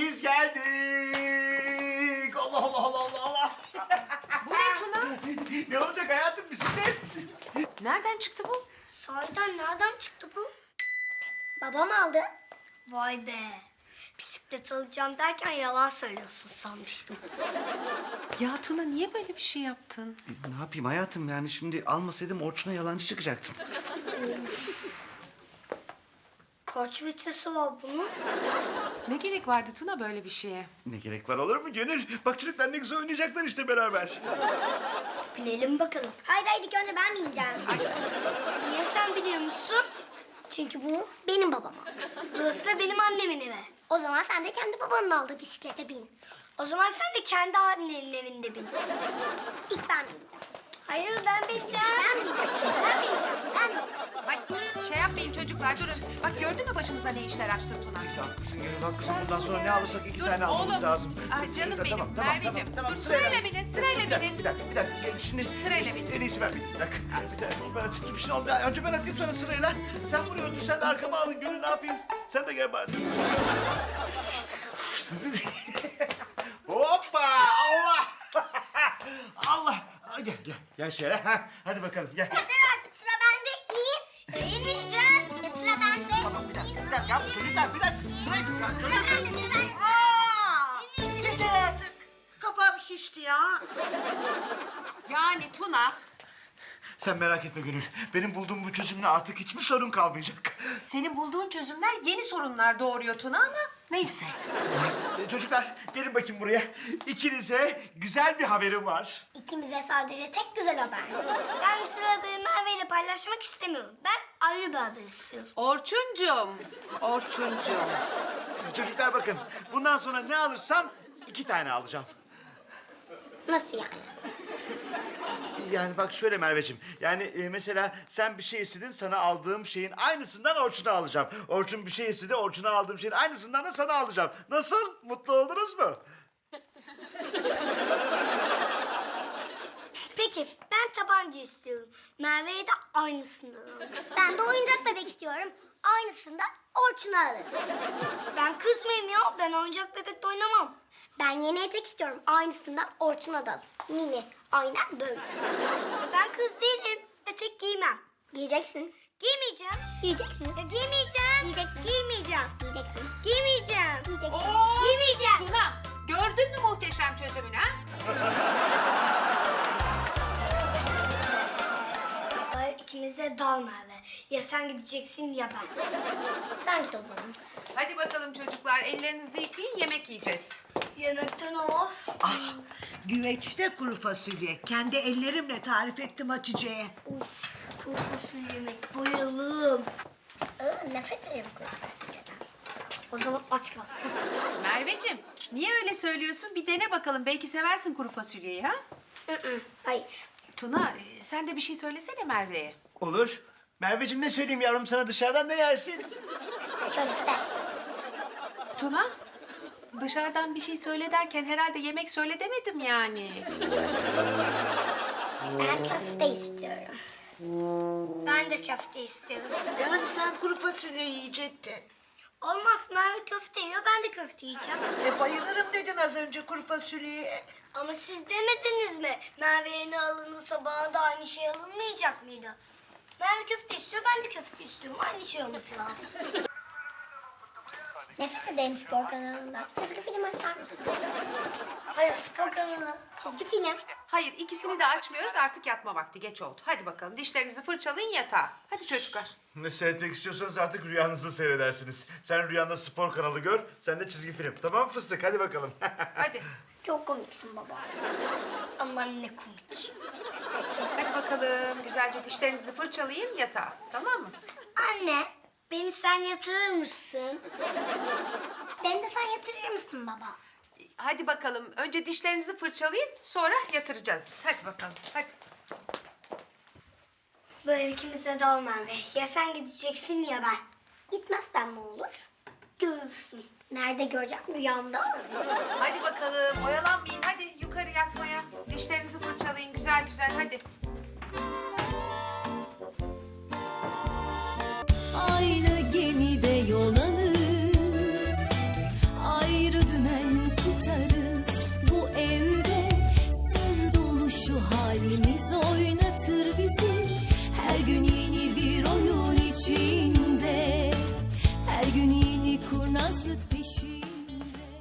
Biz geldik. Allah Allah Allah Allah Allah. Bu ne Tuna? Ne olacak hayatım, bisiklet. Nereden çıktı bu? Sahiden nereden çıktı bu? Babam aldı. Vay be. Bisiklet alacağım derken yalan söylüyorsun sanmıştım. Ya Tuna niye böyle bir şey yaptın? Ne yapayım hayatım, yani şimdi almasaydım Orçun'a yalancı çıkacaktım. Kaç vitesi var bunun? Ne gerek vardı Tuna böyle bir şeye? Ne gerek var, olur mu Gönül? Bak çocuklar ne güzel oynayacaklar işte beraber. Binelim bakalım. Hayır hayır, ilk önce ben bineceğim. Niye sen biliyor musun? Çünkü bu benim babam. Burası da benim annemin evi. O zaman sen de kendi babanın aldığı bisiklete bin. O zaman sen de kendi annenin evinde bin. İlk ben bineceğim. Hayır, ben bineceğim. Ben bineceğim. Ben bineceğim. Ben bineceğim. Ay şey yapmayın çocuklar durun. Bak gördün mü başımıza ne işler açtı Tuna? Haklısın Gönül, haklısın. Bundan sonra ne alırsak iki Dur tane almamız oğlum. lazım. Ay canım Çocuklar, benim, Merveciğim. Dur, sırayla. sırayla binin, sırayla Bir dakika, binin. Bir dakika. Şimdi Sırayla binin. en iyisi ben bineyim. Bir dakika. Ben atayım. Bir şey olmuyor. Önce ben atayım, sonra sırayla. Sen buraya otur, sen de arkama alın. Gönül ne yapayım? Sen de gel bari. Hoppa! Allah! Allah! Gel şöyle. Ha, hadi bakalım gel. Yeter artık, sıra bende. İn. İnmeyeceğim. Sıra bende. Tamam, bir dakika ya çocuklar, bir dakika. Sırayı ya çocuklar. Sıra bende. Yeter artık. Kafam şişti ya. Yani Tuna Sen merak etme Gönül. Benim bulduğum bu çözümle artık hiçbir sorun kalmayacak. senin bulduğun çözümler yeni sorunlar doğuruyor Tuna ama neyse. Çocuklar gelin bakayım buraya. İkinize güzel bir haberim var. İkimize sadece tek güzel haber. Ben bu sırada Merve ile paylaşmak istemiyorum. Ben ayrı bir haber istiyorum. Orçuncum, Orçuncum. Çocuklar bakın, bundan sonra ne alırsam 2 tane alacağım. Nasıl yani? Yani bak şöyle Merveciğim, yani mesela sen bir şey istedin, sana aldığım şeyin aynısından Orçun'a alacağım. Orçun bir şey istedi, Orçun'a aldığım şeyin aynısından da sana alacağım. Nasıl? Mutlu oldunuz mu? Peki, ben tabanca istiyorum. Merve'ye de aynısından alın. Ben de oyuncak bebek istiyorum. Aynısından Orçun'a alın. Ben kız mıyım ya? Ben oyuncak bebekle oynamam. Ben yeni etek istiyorum. Aynısından Orçun'a da alın. Mini. Aynen böyle. Ben kız değilim. Etek giymem. Giyeceksin. Giymeyeceğim. Giyeceksin. Ya giymeyeceğim. Giyeceksin. Giymeyeceğim. Giyeceksin. Giymeyeceğim. Giyeceksin. Giymeyeceğim. Tuna gördün mü muhteşem çözümünü ha? Hayır, ikimize dal Merve. Ya sen gideceksin ya ben. Sen git o zaman. Hadi bakalım çocuklar ellerinizi yıkayın yemek yiyeceğiz. Yemekten o. Ah, güveçte kuru fasulye. Kendi ellerimle tarif ettim Hatice'ye. Uf, kuru fasulye yemek. Bayılırım. Nefret ederim kuru fasulyeden. O zaman aç kal. Merveciğim niye öyle söylüyorsun? Bir dene bakalım belki seversin kuru fasulyeyi ha? Hayır. Tuna sen de bir şey söylesene Merve'ye. Olur. Merveciğim ne söyleyeyim yavrum sana, dışarıdan ne yersin? Köfte. Tuna dışarıdan bir şey söyle derken herhalde yemek söyle demedim yani. Ben köfte istiyorum. Ben de köfte istiyorum. Yani sen kuru fasulye yiyecektin. Olmaz, Merve köfte yiyor, ben de köfte yiyeceğim. Bayılırım dedin az önce kuru fasulyeye. Ama siz demediniz mi? Merve'ye ne alınırsa bana da aynı şey alınmayacak mıydı? Merve köfte istiyor, ben de köfte istiyorum. Aynı şey olması lazım. Nefret ederim spor kanalından. Çizgi film açar mısın? Hayır, spor kanalı. Çizgi film. Hayır ikisini de açmıyoruz artık yatma vakti geç oldu. Hadi bakalım dişlerinizi fırçalayın yatağa. Hadi çocuklar. Ne seyretmek istiyorsanız artık rüyanızı seyredersiniz. Sen rüyanda spor kanalı gör, sen de çizgi film. Tamam mı fıstık? Hadi bakalım. Hadi. Çok komiksin baba. Aman ne komik. Hadi bakalım güzelce dişlerinizi fırçalayın yatağa. Tamam mı? Anne, beni sen yatırır mısın? Beni de sen yatırır mısın baba? Hadi bakalım önce dişlerinizi fırçalayın sonra yatıracağız biz. Hadi bakalım hadi. Bu ev ikimize dal Merve. Ya sen gideceksin ya ben. Gitmezsen ne olur? Görürsün. Nerede göreceğim, rüyamda? Hadi bakalım oyalanmayın hadi yukarı yatmaya. Dişlerinizi fırçalayın güzel güzel hadi.